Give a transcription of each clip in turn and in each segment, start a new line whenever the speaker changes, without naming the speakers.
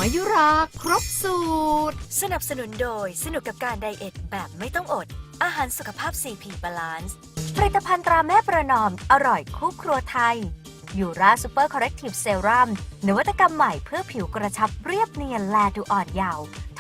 มายุราครบสูตร
สนับสนุนโดยสนุกกับการไดเอทแบบไม่ต้องอดอาหารสุขภาพ CP Balance ผลิตภัณฑ์ตราแม่ประนอมอร่อยคู่ครัวไทยยูราซูเปอร์คอร์เรกทีฟเซรั่มนวัตกรรมใหม่เพื่อผิวกระชับเรียบเนียนแลดูอ่อนเยาว์โทร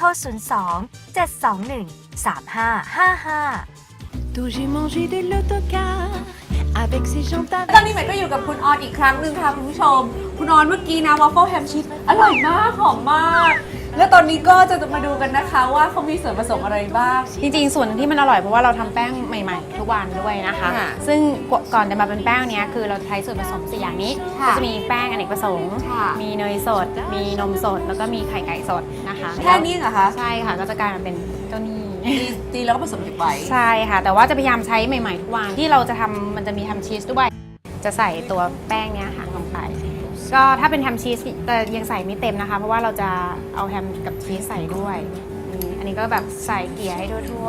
02-721-3555
D'où j'ai mangé des l'autocar avec ces gens
ตอนนี้ใหม่ก็อยู่กับคุณออนอีกครั้งหนึ่งค่ะคุณผู้ชมคุณออนเมื่อกี้นะวอฟเฟิลแฮมชีสอร่อยมากหอมมากแล้วตอนนี้ก็จะมาดูกันนะคะว่าเขามีส่วนผสมอะไรบ้าง
จริงๆส่วนที่มันอร่อยเพราะว่าเราทำแป้งใหม่ๆทุกวันด้วยนะคะ ซึ่งก่อนจะมาเป็นแป้งเนี้ยคือเราใช้ส่วนผสม4อย่างนี้ก็จะมีแป้งอเนกประสงค์มีเนยสดมีนมสดแล้วก็มีไข่ไก่สดนะคะ
แค่นี้เหรอคะ
ใช่ค่ะก็จะกลายมาเป็นเจ้านี่
ตีแล้วก็ผสมเก็บไว้
ใช่ค่ะแต่ว่าจะพยายามใช้ใหม่ๆทุกวันที่เราจะทำมันจะมีแฮมชีสด้วยจะใส่ตัวแป้งเนี้ยค่ะลงไปก็ถ้าเป็นแฮมชีสแต่ยังใส่ไม่เต็มนะคะเพราะว่าเราจะเอาแฮมกับชีสใส่ด้วยอันนี้ก็แบบใส่เกลี่ยให้ทั่ว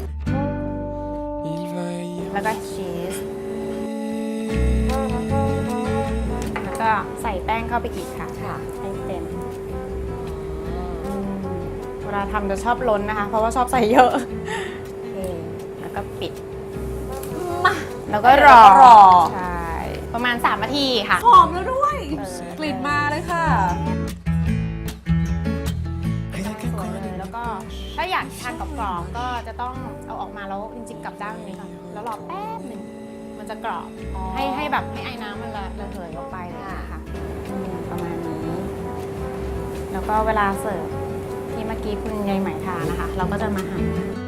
ๆแล้วก็ชีสแล้วก็ใส่แป้งเข้าไปอีกค่ะให้เต็มเวลาทำจะชอบล้นนะคะเพราะว่าชอบใส่เยอะแล้วก็ปิดแล้วก็รอใช่ประมาณ3 นาทีค่ะ
หอมแล้วด้วยกลิ่นมาเลยค่ะ
สวยเลยแล้วก็ถ้าอยากทานกรอบๆก็จะต้องเอาออกมาแล้วจริงๆกลับด้านนี้ก่อนแล้วรอแป๊บหนึ่งมันจะกรอบให้แบบให้ไอ้น้ำมันระเหยออกไปเลยนะคะประมาณนี้แล้วก็เวลาเสิร์ฟที่เมื่อกี้คุณยายไหมทานนะคะเราก็จะมาหั่น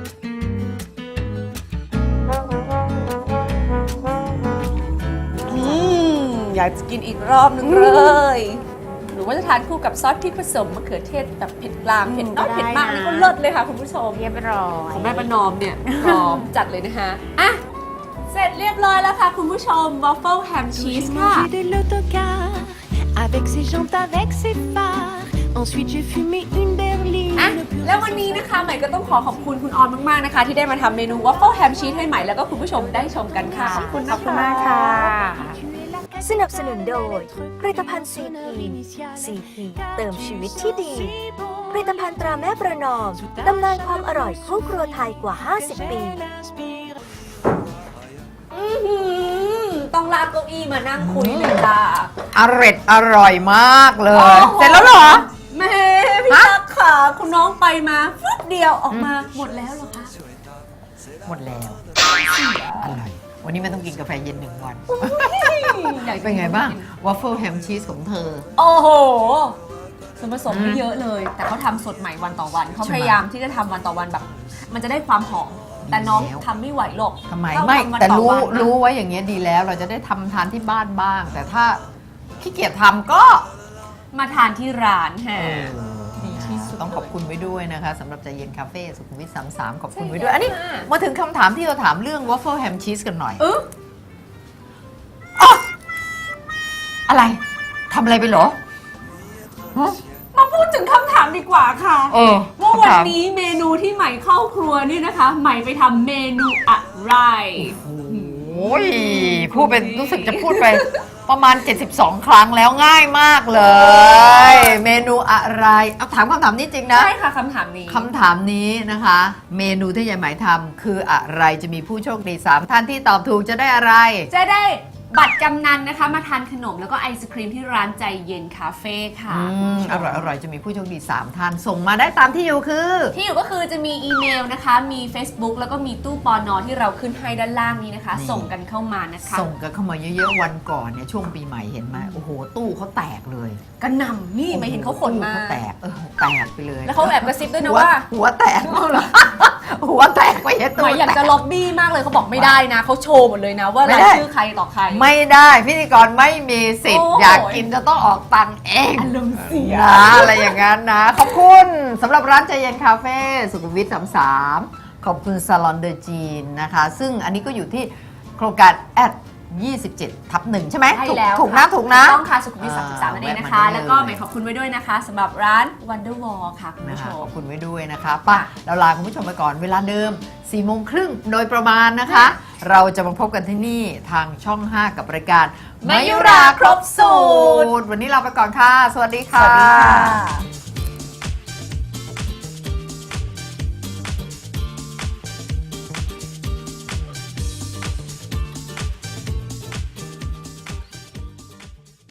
อยากจะกินอีกรอบนึงเลยหรือว่าจะทานคู่กับซอสพริกผสมมะเขือเทศแบบเผ็ดกลางเผ็ดน้อยเผ็ดมากนี่ก็เลิศเลยค่ะคุณผู้ชม
เรียบร้อย
ของแม่ประนอมเนี่ยพร้อมจัดเลยนะคะอ่ะเสร็จเรียบร้อยแล้วค่ะคุณผู้ชมวอฟเฟิลแฮมชีสค่ะ
de l'autocar avec ses jantes avec ses phares ensuite j'ai fumé une berline
แล้ววันนี้นะคะใหม่ก็ต้องขอบคุณคุณออนมากๆนะคะที่ได้มาทำเมนูวอฟเฟิลแฮมชีสให้ใหม่แล้วก็คุณผู้ชมได้ชมกันค่ะขอบคุณ
มากค่ะ
สนับสนุนโดยผลิตภัณฑ์ CP เติมชีวิตที่ดีผลิตภัณฑ์ตราแม่ประนอมตำนานความอร่อยคู่ครัวไทยกว่า50 ปี
ต้องลากเก้าอี้มานั่งคุยเลยค่ะ
อร่อยมากเลยเสร็จแล้วเหรอ
แม่พี่ตั๊กค่ะคุณน้องไปมาฟึบเดียวออกมาหมดแล้วเหรอคะ
หมดแล้วอร่อยวันนี้ไม่ต้องกินกาแฟเย็น1 วันเป็นไงบ้างวอฟเฟิลแฮมชีสของเธอ
โอ้โหส่วนผสมไม่เยอะเลยแต่เขาทำสดใหม่วันต่อวันเขาพยายามที่จะทำวันต่อวันแบบมันจะได้ความหอมแต่น้องทำไม่ไหวหรอก
ทำไมไม่แต่รู้ไว้อย่างเงี้ยดีแล้วเราจะได้ทำทานที่บ้านบ้างแต่ถ้าขี้เกียจทำก็
มาทานที่ร้านค่ะ
ต้องขอบคุณไว้ด้วยนะคะสำหรับใจเย็นคาเฟ่สุขุมวิท33ขอบคุณไว้ด้วยอันนี้มาถึงคำถามที่เราถามเรื่องวอฟเฟิลแฮมชีสกันหน่อยอะไรทำอะไรไปเหรอ
มาพูดถึงคำถามดีกว่าค่ะว่าวันนี้เมนูที่ใหม่เข้าครัวนี่นะคะใหม่ไปทำเมนูอะไร
โอ้ยพูดเป็นรู้สึกจะพูดไปประมาณ72 ครั้งแล้วง่ายมากเลยเมนูอะไรเอาถามคำถามนี้จริงนะ
ใช่ค่ะคำถาม
นี้นะคะเมนูที่ยายไหมทำคืออะไรจะมีผู้โชคดี3 ท่านที่ตอบถูกจะได้อะไร
จะได้บัตรกำนันนะคะมาทานขนมแล้วก็ไอศครีมที่ร้านใจเย็นคาเฟ่ค่ะ
อร่อยจะมีผู้โชคดี3 ท่านส่งมาได้ตามที่อยู่
ที่อยู่ก็คือจะมีอีเมลนะคะมี Facebook แล้วก็มีตู้ปนที่เราขึ้นให้ด้านล่างนี้นะคะส่งกันเข้ามานะคะ
ส่งกันเข้ามาเยอะๆวันก่อนเนี่ยช่วงปีใหม่เห็นไหมโอ้โหตู้เขาแตกเลย
กระหน่ำนี่ไม่เห็นเขาขนมา
แตกไปเลย
แล้วเขาแอบกระซิบด้วยนะว่า
หัวแตกเหรอหัวแตกไป
ตู้อยากจะล็อบบี้มากเลยเขาบอกไม่ได้นะเขาโชว์หมดเลยนะว่ารายชื่อใครต่อใคร
ไม่ได้พิธีกรไม่มีสิทธิ์อยากกินจะต้องออกตังค์เอง
อารมณ์เสีย
อะไรอย่างนั้นนะขอบคุณสำหรับร้านใจเย็นคาเฟ่สุขุมวิท33ขอบคุณซาลอนเดอจีนนะคะซึ่งอันนี้ก็อยู่ที่โครงการ27/1ใช่ไหมถูกนะ
ต้องค่ะสุขุมวิท33นั่นเองนะคะแล้วก็ใหม่ขอบคุณไว้ด้วยนะคะสำหรับร้าน Wonderwall ค่ะคุณผู้ชม
ขอบคุณไว้ด้วยนะคะป่ะเราลาคุณผู้ชมไปก่อนเวลาเดิม 4:30 โดยประมาณนะคะเราจะมาพบกันที่นี่ทางช่อง 5 กับรายการ
มายุราครบสูตร
วันนี้ลาไปก่อนค่ะสวัสดีค่ะ